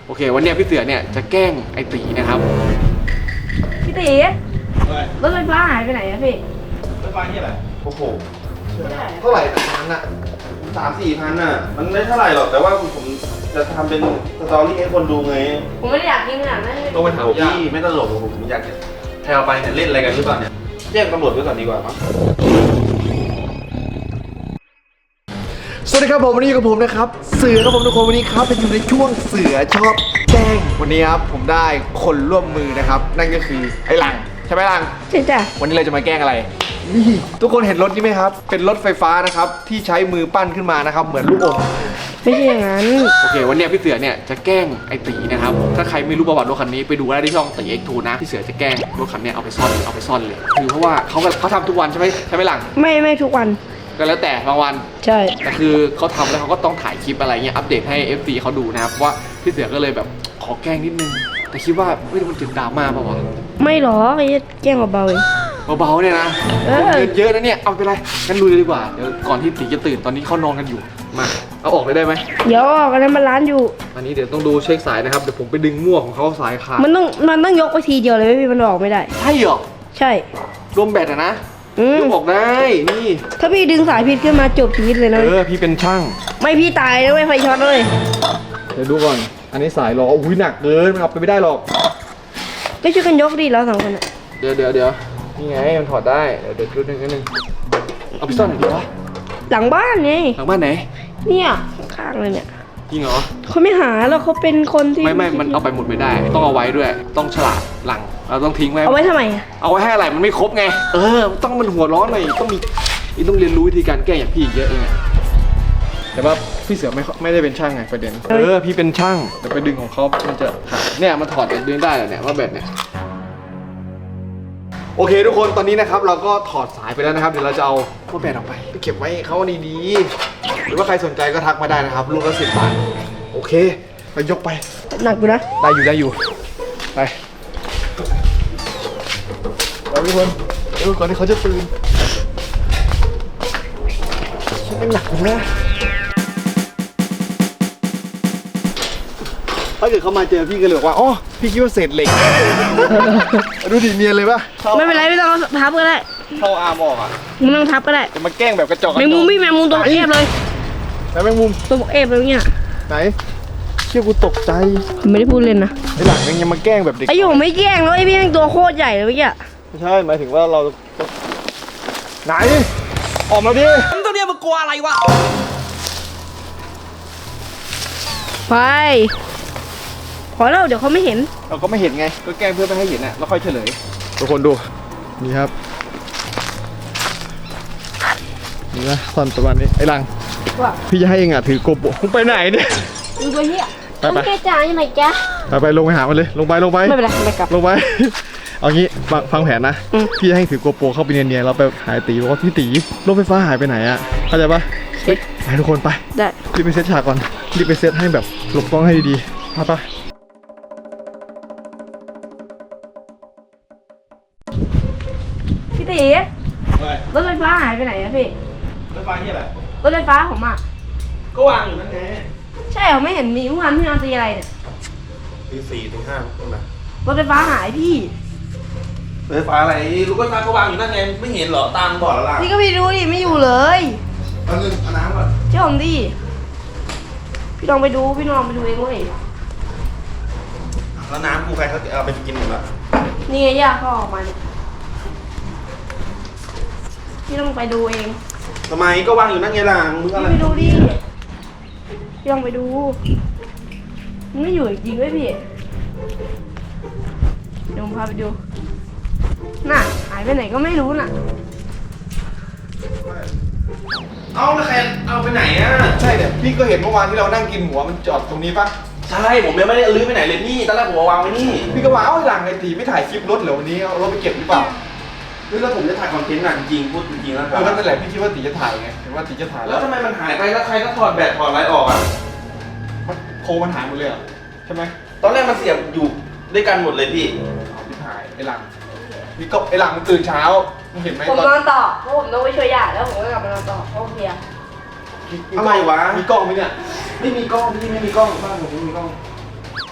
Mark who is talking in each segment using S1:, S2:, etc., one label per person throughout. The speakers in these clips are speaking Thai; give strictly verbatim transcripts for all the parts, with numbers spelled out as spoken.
S1: โอเควันนี้พี่เสือเนี่ยจะแกล้งไอตีนะครับ
S2: พี่ตีรถไฟฟ้าหายไปไหนอะพี่
S3: รถไฟฟ้าที่อะไรโอ้โหเท่าไหร่พันอะสามสี่พันอะมันไม่เท่าไหร่หรอกแต่ว่าผมจะทำเป็นสตอรี่ให้คนดูไง
S2: ผมไม่ได้อยากยิงขนาดนั้น
S3: ต้องไปถามพี่ไม่ตลกผมอยากจะใครเอาไปเนี่ยเล่นอะไรกันหรือเปล่าเนี่ยแจ้งตำรวจไว้ก่อนดีกว่ามั้ง
S1: สวัสดีครับผมวันนี้อยู่กับผมนะครับเสือครับผมทุกคนวันนี้ครับเป็นอยู่ในช่วงเสือชอบแกล้งวันนี้ครับผมได้คนร่วมมือนะครับนั่นก็คือไอ้หลังใช่ไหมหลัง
S2: ใช่จ้ะ
S1: วันนี้เราจะมาแกล้งอะไรนี่ทุกคนเห็นรถนี้ไหมครับเป็นรถไฟฟ้านะครับที่ใช้มือปั้นขึ้นมานะครับเหมือนลูกอม
S2: ไม่ใช่อย่างนั้น
S1: โอเควันนี้พี่เสือเนี่ยจะแกล้งไอ้ตีนะครับถ้าใครไม่รู้ประวัติรถคันนี้ไปดูได้ที่ช่องตี เอ็กซ์ ทู นะพี่เสือจะแกล้งรถคันนี้เอาไปซ่อนเอาไปซ่อนเลยคือเพราะว่าเขาเขาทำทุกวันใช่ไหมใช่ไหมหลัง
S2: ไม่ไม่ทุกวัน
S1: ก็แล้วแต่บางวัน
S2: ใช่
S1: แต่คือเขาทำแล้วเขาก็ต้องถ่ายคลิปอะไรเงี้ยอัปเดตให้ เอฟ ซี เขาดูนะครับว่าพี่เสือก็เลยแบบขอแกล้งนิดนึงแต่คิดว่าเฮ้ยมันจะดราม่าป่าวะ
S2: ไม่หรอกไอ้แกล้งเบาๆเอง
S1: เบาๆเนี่ยนะเงินเยอะนะเนี่ยเอาไปเลยงั้นลุยเลยดีกว่าเดี๋ยวก่อนที่ตีจะตื่นตอนนี้เขานอนกันอยู่มาเอาออกเลยได้ไหม
S2: เดี๋ยวออกกันแล้วมันร้านอยู่
S1: อันนี้เดี๋ยวต้องดูเช็คสายนะครับเดี๋ยวผมไปดึงมั่วของเขาสายขาด
S2: มันต้องมันต้องยกไปทีเดียวเลยไม่พี่มันออกไม่ได้
S1: ใช่เหรอ
S2: ใช่
S1: รวมแบตอะนะยกออกได้นี่
S2: ถ้าพี่ดึงสายผิดขึ้นมาจบชีวิตเลยนะ
S1: เออพี่เป็นช่าง
S2: ไม่พี่ตายนะไม่ไฟช็อตเลย
S1: เดี๋ยวดูก่อนอันนี้สายล้ออุ้ยหนักเกินมันเอาไปไม่ได้หรอก
S2: ก็ช่วยกันยกดิเราสองคนอะ
S1: เดี๋ยวเดี๋ยวเดี๋ยวนี่ไงมันถอดได้เดี๋ยวเดี๋ยวดูหนึ่งนิดนึงเอาไปซ่อนไหนดีวะ
S2: หลังบ้านไง
S1: หลังบ้านไหน
S2: เนี่ยข้างเลยเนี่ย
S1: จริงเหรอ
S2: เขาไม่หาแล้วเขาเป็นคนที่
S1: ไม่ไม่มันเอาไปหมดไม่ได้ต้องเอาไว้ด้วยต้องฉลาดหลังเราต้องทิ้งไว้
S2: เอาไว้ทำไมอะ
S1: เอาไว้ให้อะไรมันไม่ครบไงเออต้องมันหัวร้อนหน่อยต้องมีต้องเรียนรู้วิธีการแก้อย่างพี่เยอะเองแต่ว่าพี่เสือไม่ไม่ได้เป็นช่างไงประเด็นเออพี่เป็นช่างแต่ไปดึงของเขามันจะขาดเนี่ยมันถอดดึงได้เหรอเนี่ยว่าแบบเนี่ยโอเคทุกคนตอนนี้นะครับเราก็ถอดสายไปแล้วนะครับเดี๋ยวเราจะเอาพวกแบตออกไปไปเก็บไว้เขาดีๆหรือว่าใครสนใจก็ทักมาได้นะครับลูกละสิบบาทโอเคไปยกไป
S2: หนักอยู่นะ
S1: ได้อยู่ได้อยู่ไปไปทุกคนเดี๋ยวก่อนที่เขาจะตื่นฉันเป็นหนักอยู่นะถ้าเกิดเขามาเจอพี่ก็เลยบอกว่าอ๋อพี่คิดว่าเศษเหล็กดูดิเนียนเลยปะ
S2: ไม่เป็นไรไม่ต้องทับก็ได้
S1: เข้าอาร์มออกอ่ะ
S2: มึงต้องทับก็ได้
S1: จะมาแกล้งแบบกระจอก
S2: แมงมุมพี่แมงมุมตัวเอฟเลย
S1: แล้วแมงมุม
S2: ตัวเอฟเลยเนี่ย
S1: ไหนเชี่ยกูตกใจ
S2: ไม่ได้พูดเล่นนะ
S1: ไอหลังยังมาแกล้งแบบเด็ก
S2: ไอโยไม่แกล้งแล้วไอพี่ยังตัวโคตรใหญ่เลยเมื่อกี้
S1: ไม่ใช่หมายถึงว่าเราไหนออกมาดิ
S4: มึงตัวเนี้ยมึงกลัวอะไรวะ
S2: ไปพอแล้วเดี๋ยวเขาไม่เห็น
S1: เราก็ไม่เห็นไงก็แกล้งเพื่อไม่ให้เห็นน่ะแล้วค่อยเฉลยทุกคนดูนี่ครับนี่นะตอนประมาณนี้ไอ้หลังพี่จะให้เองอ่ะถือโกโบมึงไปไหนเนี่ย
S2: มึงตัวเหี้ย
S1: ไปไป
S2: แกจ่ายังไงแก
S1: ไปไปลงไปหามันเลยลงไปลงไป
S2: ไม่เป็นไรไม่กลับ
S1: ลงไปเอางี้ฟังแผนนะพี่จะให้ถือโกโปรเข้าไปเนียนๆเราไปหายตีบอกว่าพี่ตีรถไฟฟ้าหายไปไหนอ่ะเข้าใจปะไปทุกคนไป
S2: ได้
S1: รีบไปเซตฉากก่อนรีบไปเซตให้แบบหลบกล้องให้ดีๆไปปะ
S2: พี่ตีรถไฟฟ้าหายไปไหนอะพี่
S3: รถไฟที่อะไร
S2: รถไฟฟ้าผมอ่ะ
S3: ก็วางอยู่นั่นไง
S2: ใช่เหรอไม่เห็นมีเมื่อวานพี่นอนตีอะไรเนี่ย
S3: ตีสี่ตีห้าตรงไหน
S2: รถไฟฟ้าหายพี่
S3: รถไฟฟ้าอะไรรถไฟฟ้าก็วางอยู่นั่นไงไม่เห็นเหรอตามบอดแล้วล่ะ
S2: นี่ก็ไปดูดิไม่อยู่เลย
S3: เอาเงินเอาน้ำก่อน
S2: เจ้าผมดิพี่ลองไปดูพี่ลองไปดูเองเว้ย
S3: แล้วน้ำกูใครเขาเอาไปกินหมดแล้ว
S2: นี่ไงย่าเขาออกมาเนี่ยพี่ต้องไปดูเอง
S3: ทำไมก็วางอยู่นั่นไงล่ะมึงอะไร
S2: พี่ไปดูดิพี่ลองไปดูมันไม่อยู่จริงด้วยพี่เดี๋ยวผมพาไปดูน่ะหายไปไหนก็ไม่รู้น่ะ
S3: เอาแล้วใครเอาไปไหนอ่ะ
S1: ใช่เนี่ยพี่ก็เห็นเมื่อวานที่เรานั่งกินหัวมันจอดตรงนี้ปะ
S3: ใช่ผมยังไม่ได้ลื้อไปไหนเลยพี่ตอนแรกผมวางไว้นี่
S1: พี่ก็ว่าเอาหลังไอ้ตีไม่ถ่ายคลิปรถเหรอวันนี้เอารถไปเก็บหรือเปล่า
S3: แล้วผมจะถ่ายคอนเทนต์หนังจริงพูดจริงแล้วครับ
S1: แล้วนั่นแหละพี่คิดว่าตีจะถ่ายไงเห็นว่าตีจะถ่าย
S3: แล้วทำไมมันหายไปแล้วใครก็ถอดแบตถอดอะไรออกอ่ะ
S1: โคมันหายหมดเลยอ่ะใช่ไหม
S3: ตอนแรกมันเสียบอยู่ด้วยกันหมดเลยพี่
S1: พี่ถ่ายไอ้หลังพี่ก็ไอ้หลังมันตื่นเช้ามึงเห็นไหม
S2: ผมนอนต่อเพราะผมต้องไปช่วยย่าแล้วผมก็กลับมานอนต่อเพราะเพีย
S3: อะไรวะ
S1: มีกล้องไหมเนี่ย
S3: ไม่มีกล้องพี่ไม่มีกล้องบ้านผมไม่มีกล้อง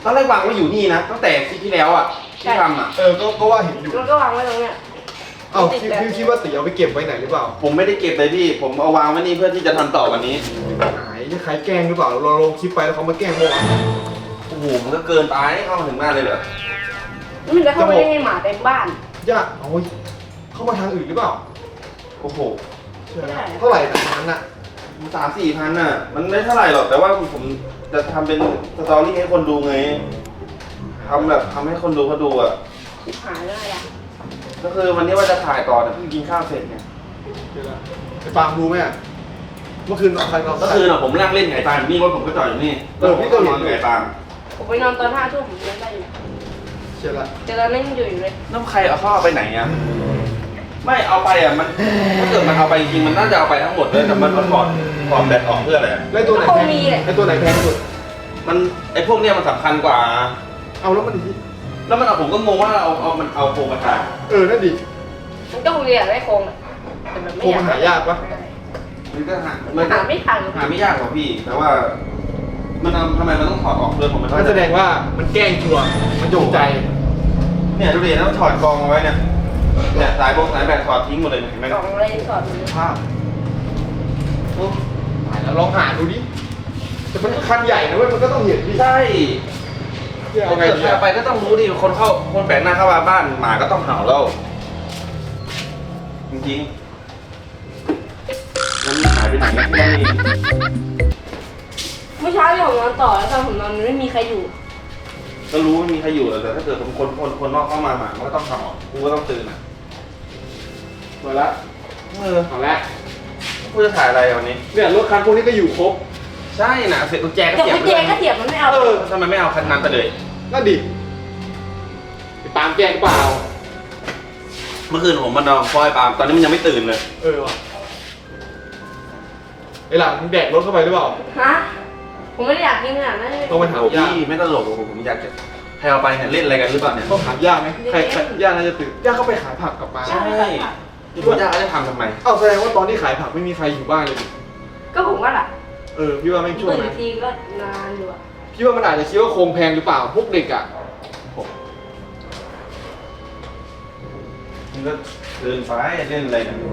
S3: ตอนแรกวางไว้อยู่นี่นะตั้งแต่คลิปที่แล้วอ่ะที่ทำอ่ะ
S1: เออก็ก็ว่าเห็นอยู่
S2: มันก็วางไว้ตรงเนี้ย
S1: เอ้าพี่พี่คิดว่าตีเอาไปเก็บไว้ไหนหรือเปล่า
S3: ผมไม่ได้เก็บเลยพี่ ผมเอาวางไว้นี่เพื่อที่จะทำต่อวันนี้
S1: หายจะใครแกล้งหรือเปล่าเราลงคลิปไปแล้วเขามาแกล้งเมื่อวาน
S3: โอ้โหมันก็เกินไปเข้ามาถึงบ้านเลยเหรอ
S2: แล้วมันจะเข้าไปได้ไงหมาเต็มบ้าน
S1: ย่าเอาเข้ามาทางอื่นหรือเปล่า
S3: โอ้โห
S1: ใช่ไหมเท่าไหร่แต่นั้นอ่ะ
S3: สามสี่พันน่ะ มันไม่เท่าไหร่หรอกแต่ว่าผมจะทำเป็นสตอรี่ให้คนดูไงทำแบบทำให้คนดูเขาดูอ่ะ
S2: หายได้ละ
S3: ก็คือวันนี้ว่าจะถ่ายต่อแต่เพิ่งกินข้าวเสร็จไง
S1: ไอ้ปาล์มรู้ไหมอ่ะเมื่อคืนนอนใครนอน
S3: ก็คือน่ะผมนั่งเล่นไก่ตามนี่รถผมก็จอดอยู่นี่
S1: เออพี่ก็เห็น
S3: นอนไก่ตาม
S2: ผมไปนอนตอนห้าทุ่มผมยังได้อยู่
S1: ใช่ละ
S2: แต่ตอนนั้นยังอยู่อยู่เลย
S3: น้ำใครเอาเข้าไปไหนอ่ะไม่เอาไปอ่ะมันถ้าเกิดมันเอาไปจริงๆมันน่าจะเอาไปทั้งหมดเลยแต่มันมันถอดถอดแบตออกเพื่ออะไรอะ
S1: แล้วตัวไหนแพงไอ้ตัวไหนแพงสุด
S3: มันไอ้พวกเนี้ยมันสำคัญกว่า
S1: เอาแล้วมัน
S3: แล้วมันเอาผมก็งงว่าเอาเอามันเอาโครงมาถ่าย
S1: เออนั่นดิ
S2: มันก็คงเรียนได้โครงอะแต่แบบไม่
S1: โครง
S2: อยา
S1: มั
S2: ก
S1: นหายากปะ
S3: มันก็หา
S2: มั
S3: มัน น
S2: หาไม่ทัน
S3: หาไม่ยากหรอกพี่ แต่ว่า มันเอาทำไมมันต้องถอดออกเรื่องของมัน
S1: นั่นแสดงว่ามันแกล้งชัวร์มันจงใจ
S3: เนี่ยดูดิแล้วถอดกองเอาไว้เนี่ยเนี่ยสายบงสายแบตถอดทิ้งหมดเลยเห็นไหม
S2: กล่องอะไรสอดมัน
S3: ภาพโอ้
S1: หายแล้วลองหาดูดิแต่มันคันใหญ่นะเว้ยมันก็ต้องเห็นดิ
S3: ใช่
S1: เอาไง
S3: เกิด
S1: ดี
S3: ใคร
S1: อะ
S3: เอาไปก็ต้องรู้ดิคนเข้าคนแปลกหน้าเข้ามาบ้านหมาก็ต้องเห่าแล้วจริงๆมันหายไปไหนไม่ได้
S2: เมื่อเช้าที่ผมนอนต่อแล้วตอนผมนอนมันไม่มีใครอยู่
S3: ก็รู้ว่ามีใครอยู่แต่ถ้าเกิดคนคนคนคนนอกเข้ามาหมามันก็ต้องเห่ากูก็ต้องตื่นอ่ะ
S1: หมดละ
S3: เออ
S1: เอาละ
S3: กูจะถ่ายอะไรวันนี้
S1: เนี่ยรถคันพวกนี้ก็อยู่ครบ
S3: ใช่นะเสร็จกุญแจก็
S2: แต่
S3: เสียบ
S2: กุญแจก็เสียบมันไม่เอา
S3: เออทำไมไม่เอาคันนั้นไปเลย
S1: นั่นดิไปตามแกล้งเปล่า
S3: เมื่อคืนผมมานอนคอยปาล์มตอนนี้มันยังไม่ตื่นเลย
S1: เออว่ะไอ้หลังมึงแดกรถเข้าไปหรือเปล่า
S2: ฮะผมไม่ได้อยากกินขนาดนั้นเลย
S1: ต้องไปถาม
S3: โอ้
S1: ย่า
S3: พี่ไม่ตลกหรอกผมอยากจะใครเอาไปเนี่ยเล่นอะไรกันหรือเปล่าเนี่ย
S1: ต้องถามย่าไหมใครใครย่าน่าจะตื่นย่าเข้าไปขายผักกลับมา
S3: ใช่ที่พ่อย่าเขาจะทำทำไม
S1: เอ้าแสดงว่าตอนที่ขายผักไม่มีใครอยู่บ้านเลยดิ
S2: ก็ผมว่าล่ะ
S1: เออพี่ว่าไม่งช่วง
S2: ตื่น
S1: นั้น
S2: ทีก็นานอยู่อะ
S1: พี่ว่ามันอาจจะคิดว่าโครงแพงหรือเปล่าพวกเด็กอ่ะ
S3: มันก็เดินไปเล่นอะไรเนี่ย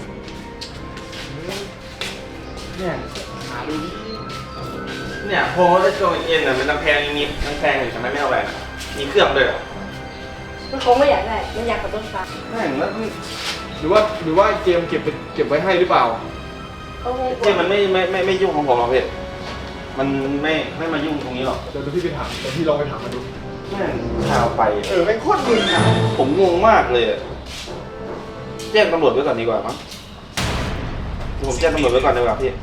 S3: เนี่ย
S1: หาดูดิ
S3: เนี่ยโฮลและโจเอ็นน่ะมันน้ำแพงมีน้ำแพงอยู่ทำไมไม่เอาไปน่ะมีเครื่องด้วยเหรอ
S2: มันคงไม่อยากได้ มันอยากขับรถไฟ
S3: แม่งแล้ว
S1: หรือว่าหรือว่าเจมส์เก็บไปเก็บไว้ให้หรือเปล่า
S2: เขาคงกลัว
S3: เจ๊มันไม่ไม่ไม่ไม่ยุ่งของผมหรอกพี่มันไม่ไม่มายุ่งตรงนี้หรอก
S1: เดี๋ยวพี่ไปถามเดี๋ยวพี่ลองไปถามมาดู
S3: แม่งข่าวไป
S1: เออแม่งโคตรมึนอ่ะ
S3: ผมงงมากเลยอะแจ้งตำรวจไว้ก่อนดีกว่ามั้งเดี๋ยวผมแจ้งตำรวจไว้ก่อนดีกว่าพี่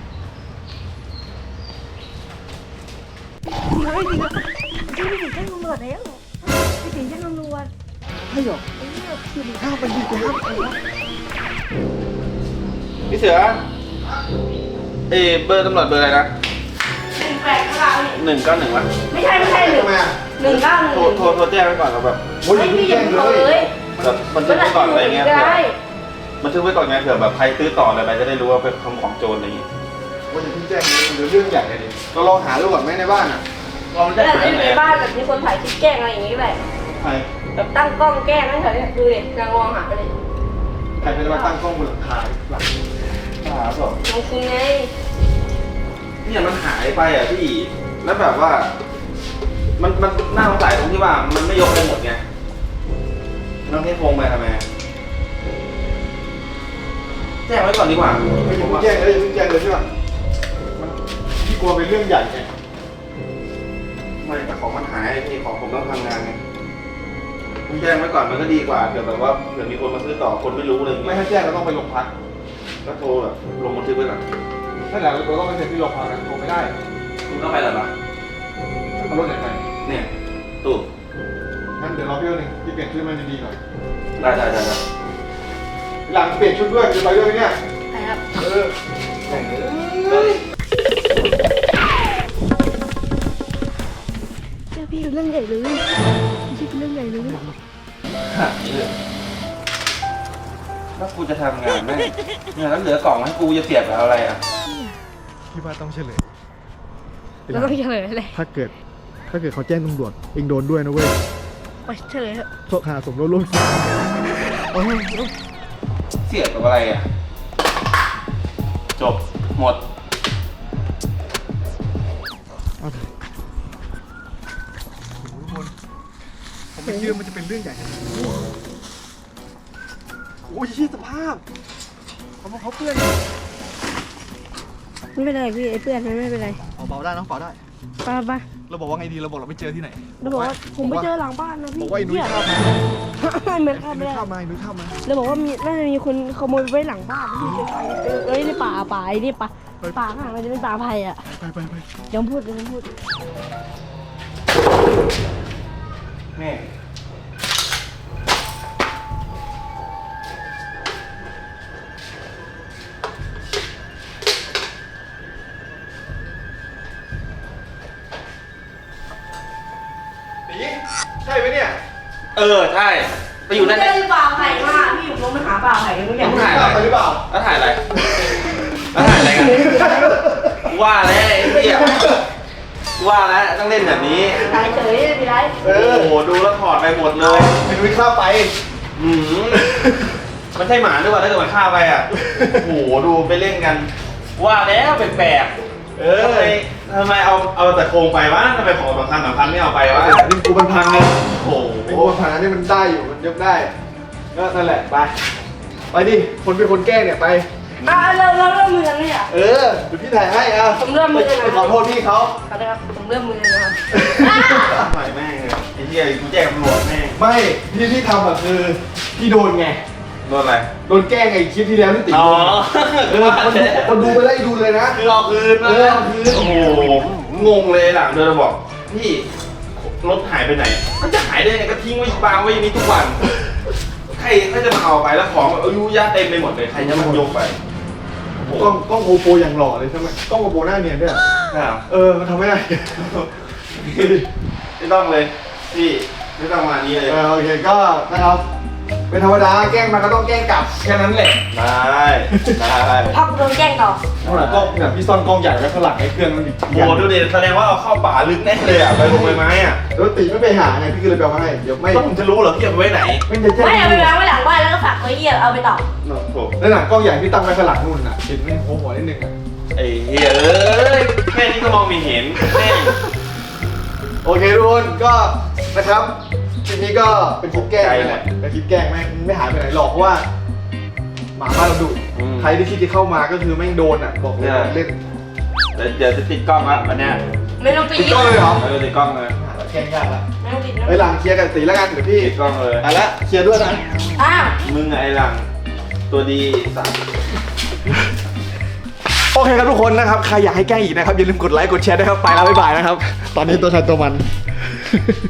S4: ไม่จริงอะพี่ไปถึงแจ้งตำรวจแล้วไปถึงแจ้งตำรวจ
S1: ให้หรอ
S4: ไอ้เนี่ยคือ
S1: ห้ามไปดีกว่าห้ามไปวะ
S3: พี่เสือเอยเบอร์ตำรวจเบอร์อะไรนะ
S2: หนึ่งแปดเก้านี่
S3: หนึ่งเก้าหนึ่งวะ
S2: ไม่ใช่ไม่ใช่หนึ่ง
S1: ทำไมอ่ะ
S2: หนึ่งเก้าหนึ่ง
S3: โทรโทรโทรแจ้งไว้ก่อนเราแบบ
S1: โอ้ย
S2: ไม่
S1: พี่
S2: พี่อ
S1: แจ้
S2: ย่าง เพิ่ง
S1: เล
S2: เอาเลย ย
S3: แบบบันทึกไว้ก่อนอะไรเงี้ย
S2: ได้
S3: บันทึกไว้ก่อนไงเผื่อแบบใครซื้อต่ออะไรไปจะได้รู้ว่าเป็นของของโจรอะไรอย่างงี้
S1: ว่าอย่าเพิ่งแจ้งเลยเดี๋ยวเรื่องใหญ่เลยดิเราลองหาดูก่อนไหมในบ้านอ่ะ
S3: ลอง
S2: แล้
S3: แจ้
S2: ว
S3: ง
S2: แต่
S3: ไหน
S2: ในบ้านแบบมีคนถ่ายคลิปแกล้งอะไรอย่างงี้แหละ
S1: ใคร
S2: แบบตั้งกล้องแกล้งนั่นเถอะเนี่ยดูดินางมองหาไปเลย
S1: ใครเป็นมาตั้งกล้องบนหลังคาหลัง
S3: หาสอบ
S2: น้องคุณไง
S3: เนี่ยมันหายไปอ่ะพี่แล้วแบบว่า มันมันน่าสงสัยตรงที่ว่ามันไม่ยกไปหมดไงน้องเทพพงไปทำไมแจ้งไว้ก่อนดีกว่า
S1: ไม่อย่าเพิ่งแจ้งเลยอย่าเพิ่งแจ้งเลยใช่ป่ะมันพี่กลัวเป็นเรื่องใหญ่ไง
S3: ไม่แต่ของมันหายพี่ของผมต้องทำงานไงผมแจ้งไว้ก่อนมันก็ดีกว่าเผื่อแบบว่าเผื่อมีคนมาซื้อต่อคนไม่รู้อะไรอย่าง
S1: ไม่
S3: เงี้ย
S1: ให้แจ้งเราต้องไปโรงพัก
S3: ก็โทรแบบลงบันทึกไว้ก่อน
S1: นั่นแหละเราต้องไปเซ็นที่โรงพักนะโทรไม่ได้
S3: คุณต้องไปเหรอล่ะ
S1: เอารถไหนไป
S3: เนี่ยตู้
S1: งั้นเดี๋ยวเราเพี่ยวหนึ่งพี่เปลี่ยนชุดมันดีๆหน่อย
S3: ได้ได้ได้ได้
S1: หลังเปลี่ยนชุดด้วยจะไปด้วยไหมเนี่ย
S2: ใช่ครับ
S1: เออแข่งเลย
S4: เจ้าพี่เป็นเรื่องใหญ่เลยพี่เป็นเรื่องใหญ่เลย
S3: แล้วกูจะทำงานไหมเนี่ยแล้วเหลือกล่องให้กูจะเสียบกับอะไรอ่ะ
S1: พี่ว่าต้องเฉลย
S2: เราต้องเฉลยเลย
S1: ถ้าเกิดถ้าเกิดเขาแจ้งตำรวจเองโดนด้วยนะเว้ย
S2: ไปเฉลยเถอะ
S1: โทษหาสมรู้ร่วมคิดเอาให้
S3: เสียบกับอะไรอ่ะ จบ หมด
S1: เอาเถอะโอ้โหทุกคนผมไม่คิดว่ามันจะเป็นเรื่องใหญ่ขนาดนี้โอ้ยชี้สภาพเขาบอกเขาเพื่อน
S2: ไม่เป็นไรพี่ไอ้เพื่อนมันไม่เป็นไร
S1: เอาเบาได้น้องเบาได้
S2: ไปไป
S1: เราบอกว่าไงดีเราบอกเราไม่เจอที่ไหน
S2: แล้วบอกว่าผมไปเจอหลังบ้านนะพี่
S1: บอกว่าไอ้นุ้ย
S2: เหี้ย
S1: ข้ามมา
S2: เหมือน
S1: ไอ้
S2: ข้าม
S1: นุ้
S2: ไม่
S1: ย
S2: ได้
S1: ข้ามมาไอ้นุ้ยข้ามมา
S2: แล้วบอกว่ามีน่าจะมีคนขโมยไว้หลังบ้านพี่เอ้ยในป่าป่าไอ้นี่ป่าป่าข้างหลังมันจะเป็นป่าไผ่อะ
S1: ไปไปไป
S2: ยังพูดยังพูด
S3: นี่
S1: ตีใช่ไหมเนี่ย
S3: เออ ใช่ ไปอยู่นั่น
S2: เจ
S3: เนี่ย
S2: อป่าไผ่มากพี่ผมลงไปหาป่าไผ่กันทุกอย่าง
S3: ต้องถ่ายอะไร
S1: ไปหรือเปล่า
S3: แล้วถ่ายอะไร แล้วถ่ายอะไรกัน ว่าแล้วไอ้เหี้ยว่าแล้วต้องเล่นแบบนี้
S2: ถ่ายเฉยไม่เป็นไร
S1: เอ
S3: โอ้
S1: อ
S3: โห ดูแล้วถอดไปหมดเลย
S1: ไอ้นุ้ยข้ามไป
S3: หืมมันใช่หมาด้วยวะถ้าเกิดมันฆ่าไปอ่ะ โอ้โห ดูไปเล่นกัน ว่าแล้วแปลกๆ
S1: เอ
S3: ทำ
S1: อ
S3: ไมทำไมเอาเอาแต่โครงไปวะทำไมของสำคัญสำคัญไม่เอาไปวะ
S1: นี่กูมันพังเลย
S3: โอ้โห
S1: ไอ้กูมันพังอันนี้มันได้อยู่มันยกได้ก็นั่นแหละไปไปดิคนเป็นคนแกล้งเนี่ยไป
S2: อ่ะเราเราเริ่มมือกันเลยอ่ะ
S1: เออเดี๋ยวพี่ถ่ายให้อ่ะ
S2: ผมเริ่มมือเลยนะ
S1: ไปขอโทษพี่เขา
S2: ครับนะครับผมเริ่มมือนะครับ
S3: ทำไมแม่งเนี่ยไอ้เหี้ยกูแจ้งตำรวจแม่ง
S1: ไม่ที่ที่ทำอ่ะคือพี่โดนไง
S3: โดนอะไร
S1: โดนแกล้งไอ้คลิปที่แล้วที่ติด
S3: อ๋อ
S1: เออคนดูคนดูไปไล่ดูเลยนะ
S3: คือเอาคืน
S1: เออเอาคืน
S3: โอ้โห งงเลยหลังเดินมาบอก พี่รถหายไปไหน มันจะหายได้ไงก็ทิ้งไว้วางไว้อย่างนี้ทุกวัน ใครเขาจะมาเอาไปแล้วของอายุยะเต็มไปหมดเลย ใครจะมายกไปโอ้โห
S1: กล้องกล้องโกโปรอย่างหล่อเลยใช่ไหมกล้องโกโปรหน้าเนียนด้วยอะ
S3: ครับ
S1: เออมันทำไม่ได้
S3: ไม่ต้องเลย พี่ไม่ต้องมานี้เลย
S1: เออโอเคก็นะครับเป็นธรรมดาแกล้งมาก็ต้องแกล้งกลับแค่นั้นแหละ
S3: ได้ได้
S2: พักโดนแกล้งต่อ
S1: เท่าไหร่กล้องเนี่ยพี่ซ่อนกล้องใหญ่ไว้ข้างหลังไอ้เครื่องมันอีก
S3: โอ้โหดูดิแสดงว่าเอาเข้าป่าลึกแน่เลยอ่ะไปลงใบไม้อ่ะ
S1: แล้วตีไม่ไปหาไงพี่ก็เลยไปเอามาให้เดี๋ยวไม่
S3: ต้องจะรู้เหรอพี่เอาไปไว้ไหน
S1: ไม่จะแจ้ง
S2: ไม่เอาไปวางไว้หลังบ้านแล้วก็ฝากไว้เยี่ยเอาไปต่อ
S3: โอ้โห
S1: แล้วหนังกล้องใหญ่ที่ตั้งไว้ข้างหลังนู่นน่ะเห็นมันโค้งหัวนิดนึงอ่ะ
S3: ไอ้เฮ้ยเอ้ยแค่นี้ก็มองไม่เห็นแม่ง
S1: โอเคทุกคนก็นะครับคลิปนี้ก็เป็นคลิปแกล้งนั่นแหละเป็นคลิปแกล้งแม่งไม่หายไปไหนหรอกเพราะว่าหมาบ้านเราดุใครที่คิดจะเข้ามาก็คือแม่งโดนอ่ะบอกเลยเล่น
S3: เดี๋ยวเดี๋ยวจะติดกล้องละวันเนี้ย
S2: ไม่ต้องปิด
S1: ติดกล้องเลยเหรอ
S3: เออติดกล้องเลย
S1: แกล้งยากละ
S2: ไม่ต้องปิดนะ
S1: เฮ้ยหลังเคลียร์กันตีแล้วกันเดี๋ยวพี่
S3: ติดกล้องเลย
S1: อ่ะละเคลียร์ด้วยนะ
S2: อ้าว
S3: มึงไอ้หลังตัวดีสัตว์
S1: โอเคครับทุกคนนะครับใครอยากให้แกล้งอีกนะครับอย่าลืมกดไลค์กดแชร์ด้วยครับไปแล้วบ๊ายบายนะครับตอนนี้ตัวใครตัวมัน